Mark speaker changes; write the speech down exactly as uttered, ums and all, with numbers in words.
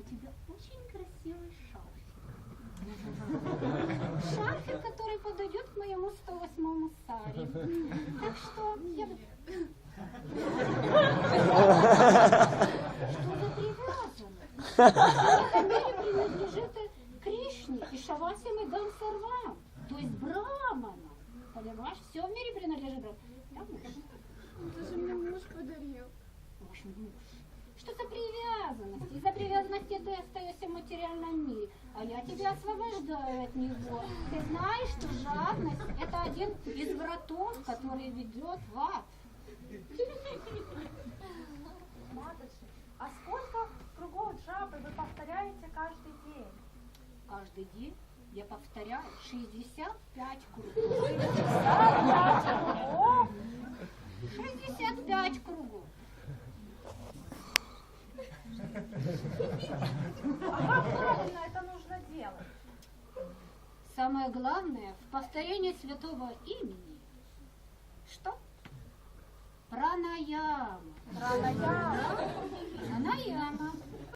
Speaker 1: тебя очень красивый шарфик. Шарфик, который подойдет к моему сто восьмому саре. Так что я... Что за привязанность? Эта мере принадлежит Кришне и Шавасям и Гансарвам, то есть Браманам. Понимаешь, все в мире принадлежит Браманам. Да, муж?
Speaker 2: Это же мне муж подарил.
Speaker 1: Ваш муж. Что за привязанность? Из-за привязанности ты остаешься в материальном мире, а я тебя освобождаю от него. Ты знаешь, что жадность – это один из вратов, который ведет в ад.
Speaker 3: Матушка, а сколько кругов джапы вы повторяете каждый день?
Speaker 1: Каждый день я повторяю шестьдесят пять кругов. шестьдесят пять кругов.
Speaker 3: А как правильно это нужно делать?
Speaker 1: Самое главное в повторении святого имени. Что? Пранаяма.
Speaker 3: Пранаяма.
Speaker 1: Пранаяма.